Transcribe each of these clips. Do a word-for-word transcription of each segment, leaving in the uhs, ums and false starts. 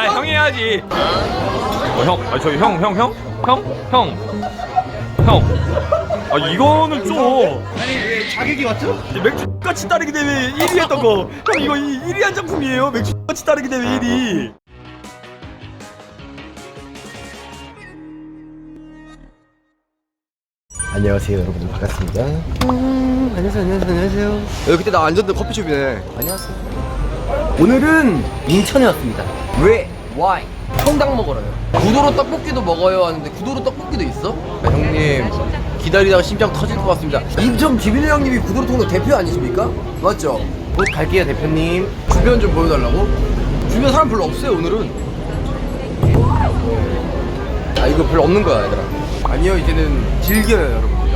아 형이 해야지. 어, 형, 아 저희 형, 형, 형, 형, 형, 형. 아 이거는 좀. 아니 왜 자격이 왔죠? 맥주 같이 따르기 대회 일 위 했던 거. 형 이거 일 위 한 작품이에요. 맥주 같이 따르기 대회 일 위. 안녕하세요 여러분, 반갑습니다. 음, 안녕하세요 안녕하세요 안녕하세요. 여기 그때 나 앉았던 커피숍이네. 안녕하세요. 오늘은 인천에 왔습니다. 왜? Why? 통닭 먹으러요. 구도로 떡볶이도 먹어요 하는데 구도로 떡볶이도 있어? 아, 형님 기다리다가 심장 터질 것 같습니다. 인천 김인우 형님이 구도로 통닭 대표 아니십니까? 맞죠? 곧 갈게요 대표님. 주변 좀 보여달라고? 주변 사람 별로 없어요 오늘은. 아 이거 별로 없는 거야 얘들아. 아니요 이제는 즐겨요 여러분들요.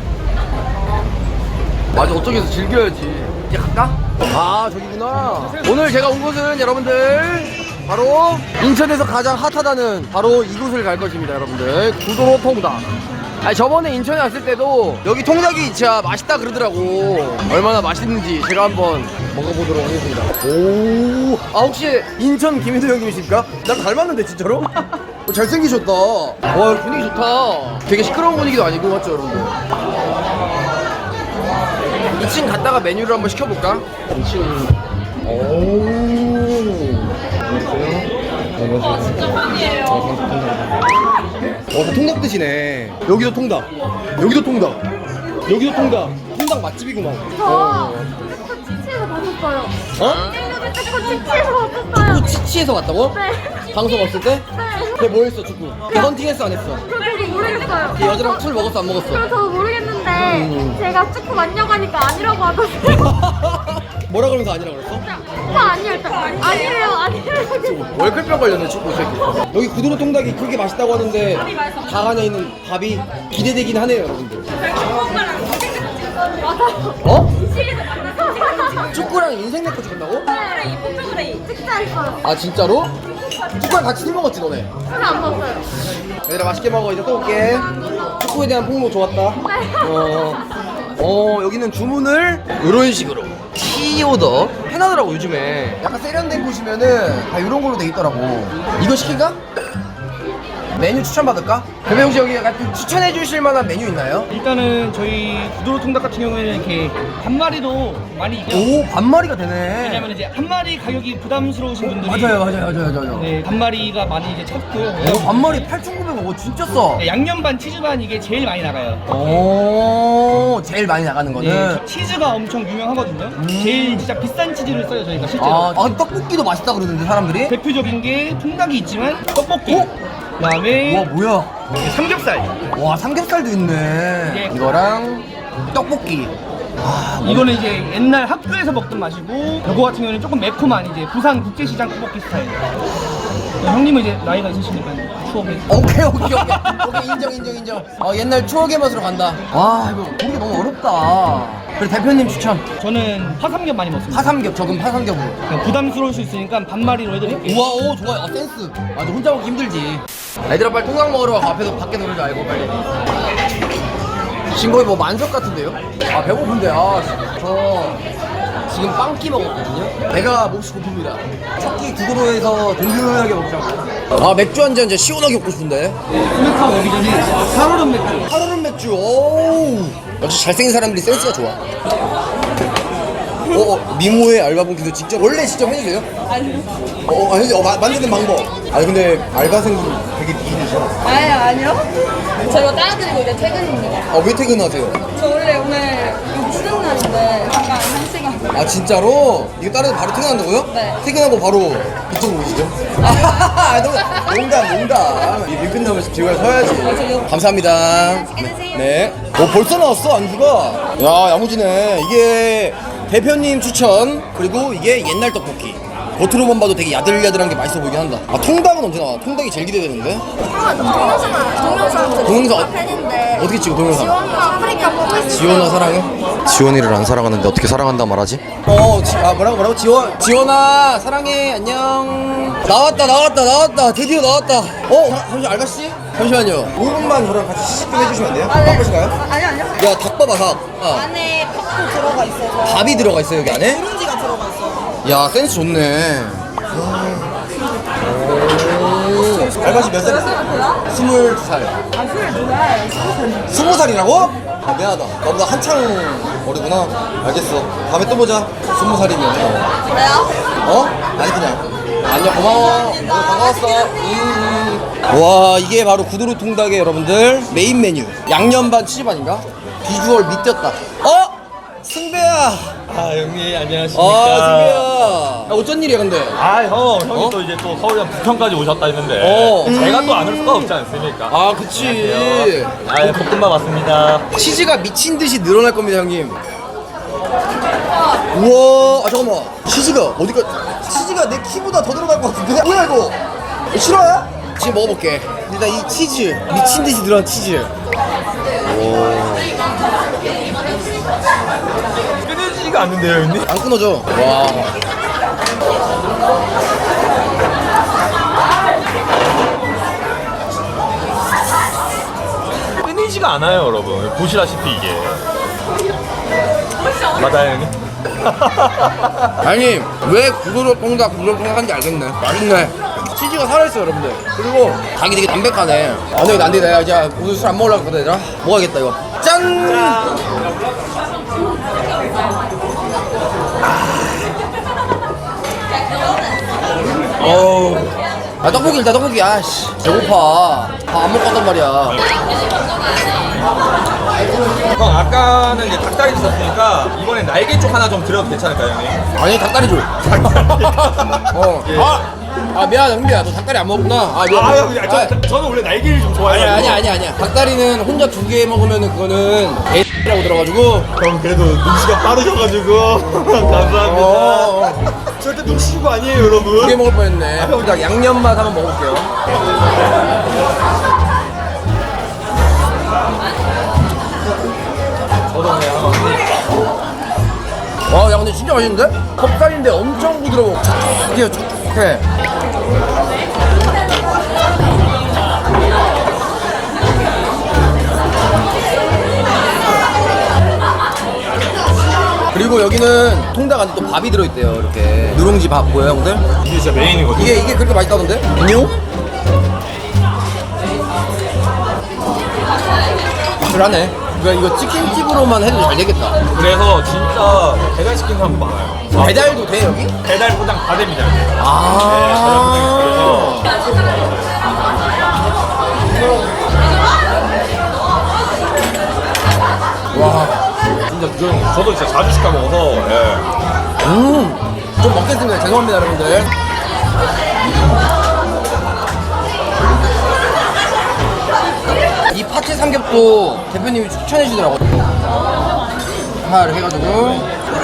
맞아 어쩌겠어 즐겨야지. 이제 갈까? 아 저기구나. 오늘 제가 온 곳은 여러분들 바로 인천에서 가장 핫하다는 바로 이곳을 갈 것입니다 여러분들. 구도로 통닭. 아니 저번에 인천에 왔을 때도 여기 통닭이 진짜 맛있다 그러더라고. 얼마나 맛있는지 제가 한번 먹어보도록 하겠습니다. 오, 아 혹시 인천 김인우 형님이십니까? 나 닮았는데 진짜로? 어, 잘생기셨다. 와 분위기 좋다. 되게 시끄러운 분위기도 아니고 맞죠 여러분들? 이 층 갔다가 메뉴를 한번 시켜볼까? 이 층. 오. 안녕하세요. 아 진짜 팬이에요. 어, 다 통닭 드시네. 여기도 통닭. 여기도 통닭. 여기도 통닭. 통닭 맛집이구만. 저 축구 치치에서 봤었어요. 어? 축구 치치에서 봤었어요. 축구 치치에서 왔다고? 네. 방송 없을 때? 네. 걔 뭐 했어 축구? 걔 헌팅 했어 안 했어? 저 저도 모르겠어요. 걔 여자랑 술 먹었어 안 먹었어? 저 저도 모르겠는데 음. 제가 축구 맞냐고 하니까 아니라고 하던데. 뭐라 그러면서 아니라 그랬어? 저 아니에요. 일단 아니래요. 아니래요. 월클병 걸렸네 축구 새끼. 여기 구도로 통닭이 그렇게 맛있다고 하는데 닭 안에 있는 밥이 기대되긴 하네요 여러분들. 맞아요. 어? 치즈에서 만나서. 축구랑 인생 내거 찍었다고? 네. 포토그레이. 찍자했어요. 아 진짜로? 축구랑 같이 술 먹었지 너네? 술을 안 먹었어요. 얘들아 맛있게 먹어. 이제 또 올게. 축구에 대한 폭로 좋았다. 어, 어 여기는 주문을 이런 식으로 키오더 해놔더라고 요즘에. 약간 세련된 곳이면은 다 이런 걸로 돼 있더라고. 이거 시킬까? 메뉴 추천 받을까? 그럼 혹시 여기 약간 추천해 주실 만한 메뉴 있나요? 일단은 저희 구도로 통닭 같은 경우에는 이렇게 한 마리도 많이 있고요. 오 반마리가 되네. 왜냐면 이제 한 마리 가격이 부담스러우신 분들이 맞아요 맞아요 맞아요 맞아요. 네, 반마리가 많이 이제 찾고요. 오 반마리 팔천구백 원. 오 진짜 싸. 네, 양념 반 치즈 반 이게 제일 많이 나가요. 오 제일 많이 나가는 거는. 네, 저 치즈가 엄청 유명하거든요. 제일 진짜 비싼 치즈를 써요 저희가 실제로. 아, 아 떡볶이도 맛있다 그러는데 사람들이? 대표적인 게 통닭이 있지만 떡볶이. 어? 그다음에 와 뭐야? 삼겹살. 와 삼겹살도 있네. 네. 이거랑 떡볶이. 아 이거는 이제 옛날 학교에서 먹던 맛이고, 이거 같은 경우는 조금 매콤한 이제 부산 국제시장 떡볶이 스타일. 형님은 이제 나이가 있으시니까 추억이. 오케이 오케이 오케이 오케이 인정 인정 인정. 어 옛날 추억의 맛으로 간다. 와 이거 고르기 너무 어렵다. 그래 대표님 추천. 저는 파삼겹 많이 먹습니다. 파삼겹 적은 파삼겹으로. 그냥 부담스러울 수 있으니까 반마리로 해드릴게요. 우와 오 좋아요. 아 센스. 맞아 혼자 먹기 힘들지. 얘들아 빨리 통닭 먹으러 가. 앞에서 밖에 놀지 알고 빨리. 지금 거의 뭐 만석 같은데요? 아 배고픈데 아저 지금 빵끼 먹었거든요. 배가 몹시 고픕니다. 첫 끼 구도로에서 든든하게 먹자고. 아 맥주 한 잔 진짜 시원하게 먹고 싶은데. 소맥하고 오기 전에 살얼음 맥주. 하루는 맥주. 오 역시 잘생긴 사람들이 센스가 좋아. 어, 어 미모의 알바분께서 직접 원래 직접 해주세요? 아니요. 어, 아니, 어 마, 만드는 방법. 아니 근데 알바생분 되게 미인이셔. 아니요 아니요. 저 이거 따라드리고 이제 퇴근입니다. 아 왜 퇴근하세요? 저 원래 오늘 이거 쉬는 날인데 잠깐 한 시간. 아 진짜로? 이거 따라서 바로 퇴근한다고요? 네. 퇴근하고 바로 이쪽으로 오시죠? 아 농- 농담 농담. 이 일 끝나면 집에 가서 서야지. 감사합니다. 맛있게 드세요. 네. 어 벌써 나왔어 안주가. 야 야무지네. 이게 대표님 추천. 그리고 이게 옛날 떡볶이. 겉으로만 봐도 되게 야들야들한 게 맛있어 보이긴 한다. 아 통닭은 언제 나와? 통닭이 제일 기대되는데. 아, 동영상 동영상 동영상 어- 팬인데 어떻게 찍어 동영상? 지원과 아프리카 보고 있어요. 지원아 사랑해? 지원이를 안 사랑하는데 어떻게 사랑한다 말하지? 어, 지, 아 뭐라고 뭐라고? 지원, 지원아 사랑해 안녕. 나왔다 나왔다 나왔다 드디어 나왔다. 어 자, 잠시 알바씨? 잠시만요. 오 분만 저랑 같이 시식 좀 해주시면 안 돼요? 아, 네. 바쁘실까요? 아, 아니요 아니요. 야 닭봐봐 닭. 아, 안에 밥도 들어가 있어서 밥이 들어가 있어요 여기 안에? 누룽지가 들어가 있어요. 야 센스 좋네. 오. 알바시 몇 살? 스물두 살. 아, 스물두 살. 스무 살이라고? 아, 미안하다. 너보다 한창 어리구나. 알겠어. 다음에 또 보자. 스무 살이면. 그래요? 어? 아니 그냥. 안녕 고마워. 오늘 반가웠어. 음. 와 이게 바로 구두로 통닭의 여러분들 메인 메뉴. 양념 반 치즈 반인가? 비주얼 미쳤다. 어? 승배야. 아 형님 아 안녕하십니까. 승배야. 야, 어쩐 일이야 근데? 아 형, 형이 어? 또 이제 또 서울이랑 부평까지 오셨다 했는데 어. 제가 또 안 올 수가 없지 않습니까? 아 그치. 아 볶음밥 왔습니다. 치즈가 미친 듯이 늘어날 겁니다 형님. 우와 아 잠깐만 치즈가 어디가 치즈가 내 키보다 더 들어갈 것 같은데? 뭐야 이거 싫어요? 지금 먹어볼게. 일단 이 치즈 미친 듯이 늘어난 치즈. 끊어지지가 않는데요 형님? 안 끊어져. 와. 끊이지가 않아요 여러분. 보시다시피 이게 맞아요 형님? 아니 왜 구두로 통닭 구두로 통닭 한지 알겠네. 맛있네. 치즈가 살아있어 여러분들. 그리고 닭이 되게 담백하네. 아 근데 이거 안돼. 내가 이제 오늘 술 안 먹으려고 그러다 얘들아. 먹어야겠다 이거. 짠. 어우. 아 떡볶이 일단 떡볶이. 아씨 배고파. 밥 안 먹고 왔단 말이야. 형 아까는 이제 닭다리 있었으니까 이번엔 날개 쪽 하나 좀 드려도 괜찮을까요 형님? 아니 닭다리 줘. 어. 예. 아, 아 미안하다 흥미야. 너 닭다리 안 먹었구나. 아 미안. 아 형, 저, 저, 저는 원래 날개를 좀 좋아해요. 아니 아니 아니 아니야. 닭다리는 혼자 두 개 먹으면은 그거는 X라고 들어가지고. 형 그래도 눈치가 빠르셔가지고 감사합니다. 어. 절대 눈치 주고 아니에요 두 개 여러분. 먹을 뻔했네. 닭 양념 맛 한번 먹어볼게요. 와, 야 근데 진짜 맛있는데? 컵살인데 엄청 부드러워. 촉촉해요, 촉촉해. 그리고 여기는 통닭 안에 또 밥이 들어있대요. 이렇게 누룽지 밥 보여요 형들? 이게 진짜 메인이거든요. 이게 이게 그렇게 맛있다던데? 안녕? 그러네. 그러니까 이거 치킨집으로만 해도 잘 되겠다. 그래서 진짜 배달시킨 사람 많아요. 배달도 돼 여기? 배달 포장 다 됩니다. 여기. 아. 와. 진짜 그 저도 진짜 자주 시켜 먹어서 예. 음. 좀 먹겠습니다. 죄송합니다 여러분들. 이 파채 삼겹도 대표님이 추천해 주더라고요. 하나를 해가지고.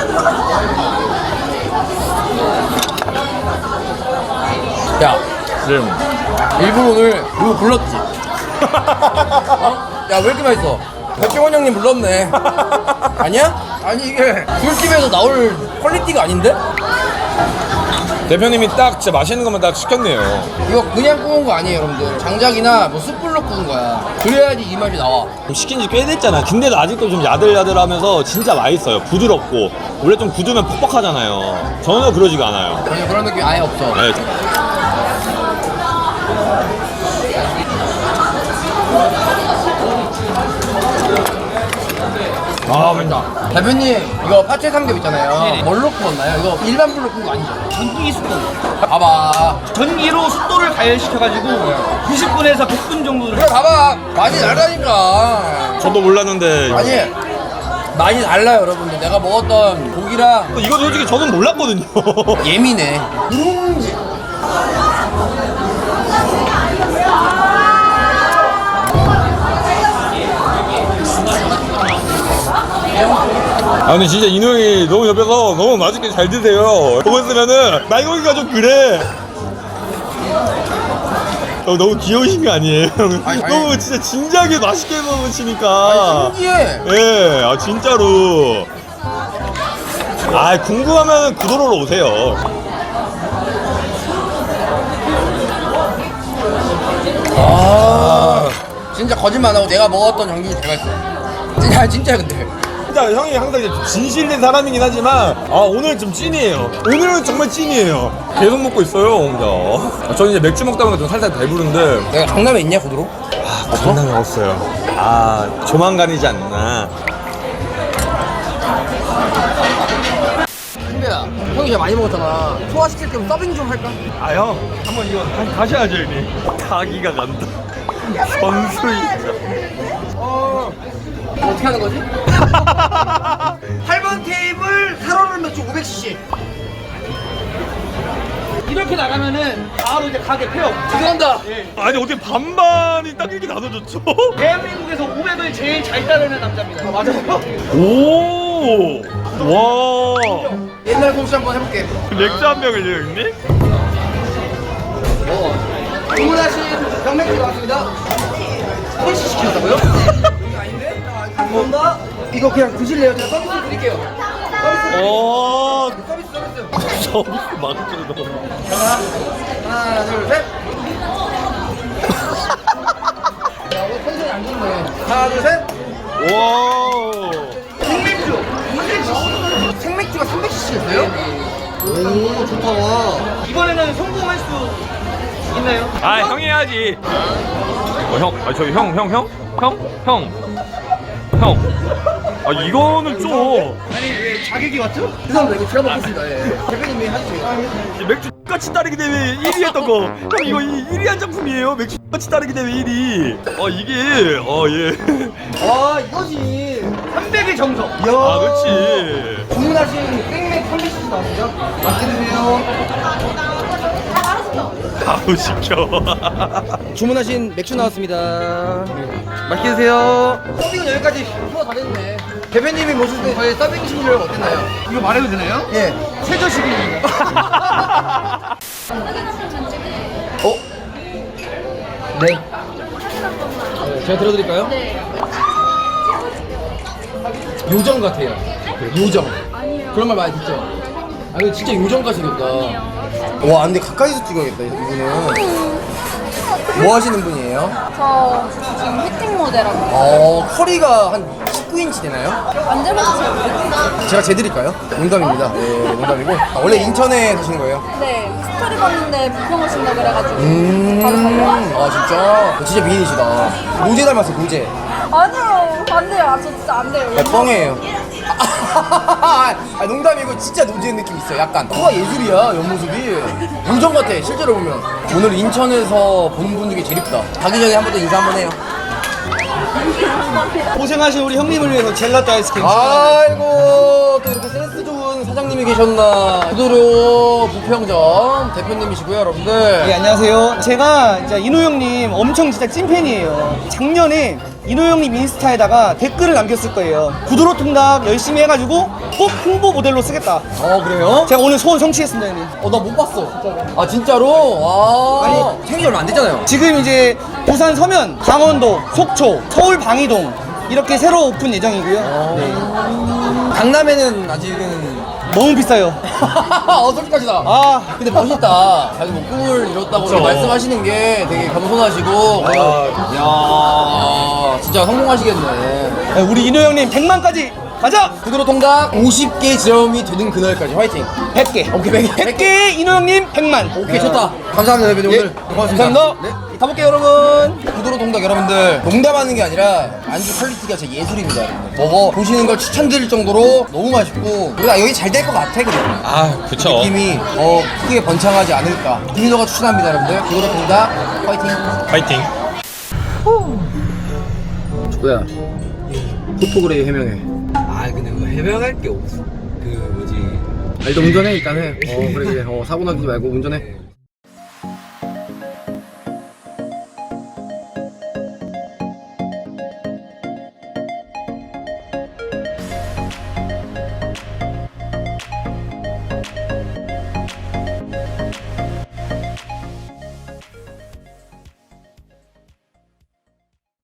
야, 지금 일부러 오늘 이거 불렀지? 어? 야, 왜 이렇게 맛있어? 백종원 형님 불렀네. 아니야? 아니, 이게 술집에서 나올 퀄리티가 아닌데? 대표님이 딱 진짜 맛있는 것만 딱 시켰네요. 이거 그냥 구운 거 아니에요, 여러분들. 장작이나 뭐 숯불로 구운 거야. 그래야지 이 맛이 나와. 시킨 지 꽤 됐잖아. 근데도 아직도 좀 야들야들하면서 진짜 맛있어요. 부드럽고 원래 좀 굳으면 퍽퍽하잖아요. 전혀 그러지가 않아요. 전혀 그런 느낌 아예 없어. 네. 아, 맛있다. 대표님, 이거 파채 삼겹 있잖아요. 네네. 뭘로 구웠나요? 이거 일반 불로 구운 거 아니죠? 전기 숫도. 봐봐. 전기로 숫도를 가열시켜가지고 구십 분에서 백 분 정도를. 그래, 봐봐. 맛이 다르다니까. 저도 몰랐는데 아니, 맛이 달라요, 여러분들. 내가 먹었던 고기랑 이거 솔직히 저는 몰랐거든요. 예민해. 누룽지. 아 근데 진짜 인호 형이 너무 옆에서 너무 맛있게 잘 드세요. 보고 있으면은 말고기가 좀 그래. 어, 너무 귀여우신 거 아니에요? 아니, 아니. 너무 진짜 진지하게 맛있게 먹으시니까. 아니, 신기해. 예, 아 진짜로. 아 궁금하면 구도로로 오세요. 아, 진짜 거짓말 안 하고 내가 먹었던 전기 제가 있어. 진짜 진짜 근데. 진짜 진짜 형이 항상 이제 진실된 사람이긴 하지만 아 오늘 좀 찐이에요. 오늘은 정말 찐이에요. 계속 먹고 있어요 혼자. 아, 저는 이제 맥주 먹다 보니까 좀 살살 배부른데 내가 강남에 있냐 구도로? 아, 장난이 없어요. 아 조만간이지 않나. 승배야, 형이 진짜 많이 먹었잖아. 소화시킬 겸 서빙 좀 할까? 아 형 한번 이거 다시 가셔야죠 형님. 가기가 간다. 선수이자. 어... 어떻게 하는 거지? 팔 번 테이블 살얼음 맥주 오백 씨씨. 이렇게 나가면은 바로 이제 가게 폐업. 죄송합니다. 아니 어떻게 반반이 딱 이렇게 나눠졌죠? 대한민국에서 오백을 제일 잘 따르는 남자입니다. 맞아요. 오. 와. 옛날 솜씨 한번 해볼게. 맥주 한 병을요 형님? 어. 주문하신 병맥주 나왔습니다. 한 씨 시키셨다고요? 이거 아닌데? 감사합니다. 이거 그냥 드실래요? 제가 서비스 드릴게요. 서비스. 오. 서비스 서비스. 서비스 막주를 너무. 하나 둘 셋. 야 오늘 컨셉이 안 좋네. 하나 둘 셋. 와. 생맥주 이백 씨씨. 생맥주가 삼백 씨씨였어요? 오 좋다. 이번에는 성공할 수 있나요? 아 형이 해야지. 어 형, 아 저기 형, 형, 형, 형, 형, 형. 아 이거는 좀 아니 왜 자격이 왔죠? 죄송합니다. 이거 제가 먹겠습니다. 예. 대표님이 하시죠. 맥주 같이 따르기 대회 일 위 했던 거. 형 이거 일 위 한 작품이에요. 맥주 같이 따르기 대회 일 위. 어 이게 어 예. 아 이거지. 삼백의 정석. 이야. 아 그렇지. 주문하신 생맥 삼백 씨씨 나왔어요. 맛있게 드세요. 바로 시켜. 주문하신 맥주 나왔습니다. 맛있게 드세요. 서빙은 여기까지 후가 다 됐네. 대표님이 모실 때 저희 서빙 실력 어땠나요? 이거 말해도 되나요? 예. 최저시급입니다. 어? 네. 네, 제가 들어드릴까요? 네. 요정 같아요. 요정. 그런 말 많이 듣죠? 아 근데 진짜 요정 같으겠다. 와 근데 가까이서 찍어야겠다 이분은. 뭐 하시는 분이에요? 저 지금 피팅 모델하고 어 커리가 한 십구 인치 되나요? 만져봐서 잘 모르겠어요. 제가 재드릴까요? 농담입니다. 네 농담이고. 아, 원래 인천에 사시는 거예요? 네, 스토리 봤는데 부평 오신다 그래가지고 음. 바로 달려왔어요. 아 진짜? 진짜 미인이시다. 노제 닮았어 노제. 아니요, 안 돼요. 아, 저 진짜 안 돼요. 야, 뻥이에요. 아, 농담이고 진짜 노지의 느낌 있어. 약간 코가 예술이야 옆모습이. 요정 같아 실제로 보면. 오늘 인천에서 보는 분 중에 제일 이쁘다. 가기 전에 한 번 더 인사 한번 해요. 고생하신 우리 형님을 위해서 젤라또 아이스크림. 아이고 또 이렇게 센스 좋은 사장님이 계셨나. 구도료 부평점 대표님이시고요 여러분들. 네, 안녕하세요. 제가 이제 인호 형님 엄청 진짜 찐팬이에요. 작년에 인호 형님 인스타에다가 댓글을 남겼을 거예요. 구두로 통닭 열심히 해가지고 꼭 홍보 모델로 쓰겠다. 어 그래요? 제가 오늘 소원 성취했습니다, 형님. 어 나 못 봤어. 아 진짜로? 아 아니 생일 얼마 안 됐잖아요. 지금 이제 부산 서면, 강원도, 속초, 서울 방이동 이렇게 새로 오픈 예정이고요. 네. 강남에는 아직은 너무 비싸요. 어 솔직하시다. 아, 근데 멋있다. 자기 뭐 꿈을 이뤘다고 그쵸. 말씀하시는 게 되게 겸손하시고. 야 진짜 성공하시겠네. 우리 인호 형님 백만까지 가자. 구두로 통닭 오십 개 지점이 되는 그날까지 화이팅. 백 개. 오케이 백 개. 백 개 인호 형님 백만. 오케이 좋다. 감사합니다 대표님. 오늘 고맙습니다. 감사합니다. 네. 가볼게요 여러분. 구두로 통닭 여러분들 농담하는 게 아니라 안주 퀄리티가 진짜 예술입니다 여러분들. 먹어 보시는 걸 추천드릴 정도로 너무 맛있고 우리가 여기 잘 될 것 같아 그래. 아 그쵸. 느낌이 더 크게 번창하지 않을까. 김민호가 추천합니다 여러분들. 구두로 통닭 화이팅. 파이팅. 축구야 포토그레이 해명해. 아 근데 그거 해명할 게 없어. 그 뭐지. 아 일단 운전해 일단 해. 어 그래 그래. 어 사고 나지 말고 운전해.